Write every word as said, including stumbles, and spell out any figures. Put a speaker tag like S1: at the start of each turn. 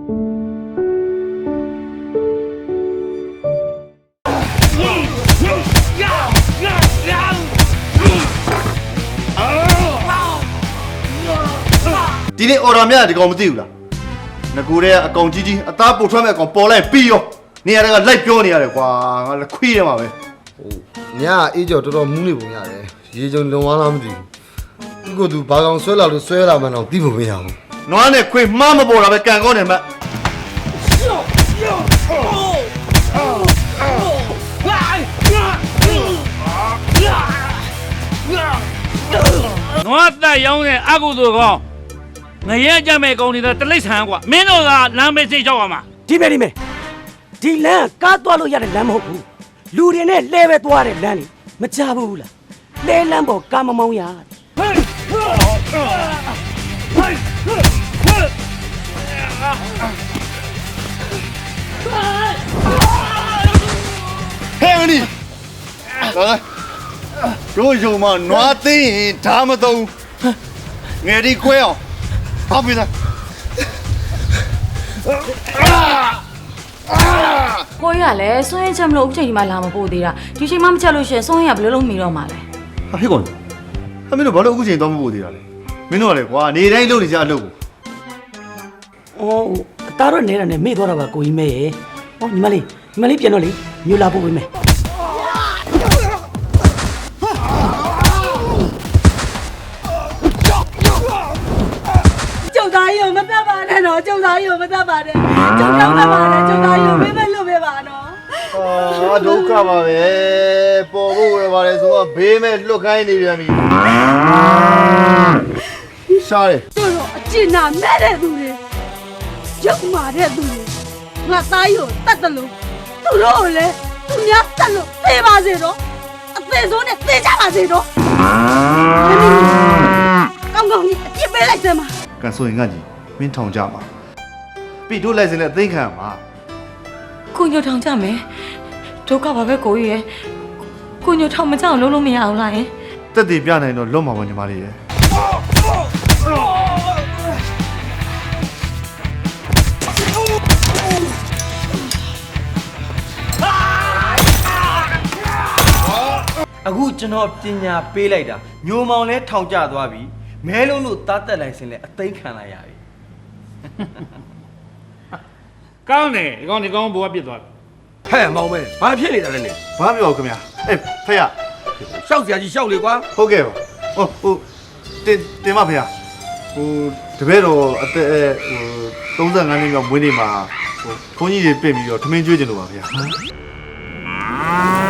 S1: ဒီနေ့ order များဒီကောင်မသိဘူးလားငကူတဲ့အကောင်ကြီးကြီးအသားပုတ်ထွက်မဲ့အကောင်ပေါ်လိုက်ပြီးရောနေရာကလိုက်ပြောနေရတယ်ကွာငါလည်းခွေးရမှာပဲ
S2: ဟိုညအေးကြော်တော်တော်မူးနေပုံရတယ်ရေကြုံလုံသွားလားမသိဘူးသူကသူဘာကောင်ဆွဲလာလို့ဆွဲလာမှတော့သိဖို့မရဘူး
S1: နွားနဲ့ခွေးမှားမပေါ်တာပဲကန်ကောင်းနေမှ
S3: နွားတက်ရောင်းတဲ့အကုသိုလ်ကောင်းငရဲကြမဲ့ကောင်းနေတဲ့တလိษံကွာမင်းတို့ကလမ်းမေးစိတ်ကြောက်ရမှာ
S4: ဒီမဲ့ဒီမဲ့ဒီလမ်းကားသွားလို့ရတဲ့လမ်းမဟုတ်ဘူးလူတွေနဲ့လဲပဲသွားတဲ့လမ်းလေမကြဘူးလားလဲလမ်းပေါ်ကားမမောင်းရဟေးဟေးဟေး
S1: ဟဲ့နီလာတို့ယုံမနွားသိရင်ဓာမသုံးငယ်ဒီခွဲအောင်ဟုတ်ပြီလား
S5: ကိုရလည်းစွန့်ရင်ချက်မလို့အခုချိန်ဒီမှာလာမပို့သေးတာဒီချိန်မှမချက်လို့ရှင်စွန့်ရင်ကဘယ်လိုလုပ်မိတော့မှာလဲ
S1: ဟာဟေ့ကောင်ဟာမင်းတို့ဘာလို့အခုချိန်တော့မပို့သေးတာလဲမင်းတို့ကလေကွာနေတိုင်းလုပ်နေကြအလုပ်ကို
S4: အော်တားတော့နေတာနဲ့မေ့သွားတာပါကိုကြီးမဲရဲ့ဟောညီမလေးညီမလေးပြန်တော့လေမြို့လာပို့ပေးမယ်ကျုပ်သားကြီးကိုမတတ်ပါနဲ့တော့ကျုပ်သားကြီးကိုမတတ်ပါနဲ့ကျုပ်တော့မပါနဲ့ကျုပ်သားကြီးကိုမေးမလို့ပဲပါနော်
S1: အာဒုက္ခပါပဲပေါ်ဖို့ရပါတယ်ဆိုတော့ဘေးမဲ့လွတ်ခိုင်းနေပြန်ပြီရှားတယ်
S6: တို့တော့အကျဉ်းနာမဲ့တဲ့သူတွေရုပ်မာတဲ့သူတွေငါသားကြီးကိုတတ်တယ်လို့သူတို့ကိုလည်းသူများတတ်လို့သေပါစေတော့အသေးဆုံးနဲ့သေကြပါစေတော့ကောင်းကောင်းကြီးအပြစ်ပေးလိုက်စမ်းပါ
S1: ကန်ဆိုရင်ငါကြီးမင်းထောင်ကြပါပြီတို့လိုက်စင်နဲ့အသိခံမှာ
S5: ကိုညိုထောင်ကြမယ်ဒုက္ခပါပဲကိုကြီးရဲ့ကိုညိုထောင်မကြအောင်လုပ်လို့မရအောင်လားယင်
S1: တက်တည်ပြနိုင်တော့လွတ်မှာပါညီမလေးရဲ့
S7: အခုကျွန်တော်ပညာပေးလိုက်တာညိုမောင်လဲထောင်ကျသွားပြီမဲလုံးတို့သားတက်လိုက်စင်လဲအသိခံလိုက်ရပြီ
S3: ကောင်းတယ်ဒီကောင်ဒီကောင်ဘိုးကပြစ်သွားပြီ
S8: ဟဲ့မောင်မဲဘာဖြစ်နေတာလဲနေ
S1: ဘာပြောခင်ဗျာအေးဖေရ
S8: ရှောက်စရာကြီးရှောက်လေကွာ
S1: ဟုတ်ကဲ့ပါဟိုဟိုတင်တင်မဖေရဟိုတပည့်တော်အသက်ဟို35နှစ်မြောက်မွေးနေ့မှာဟိုဘုန်းကြီးတွေပြင်ပြီးတော့ထမင်းကျွေးကြလို့ပါဖေရ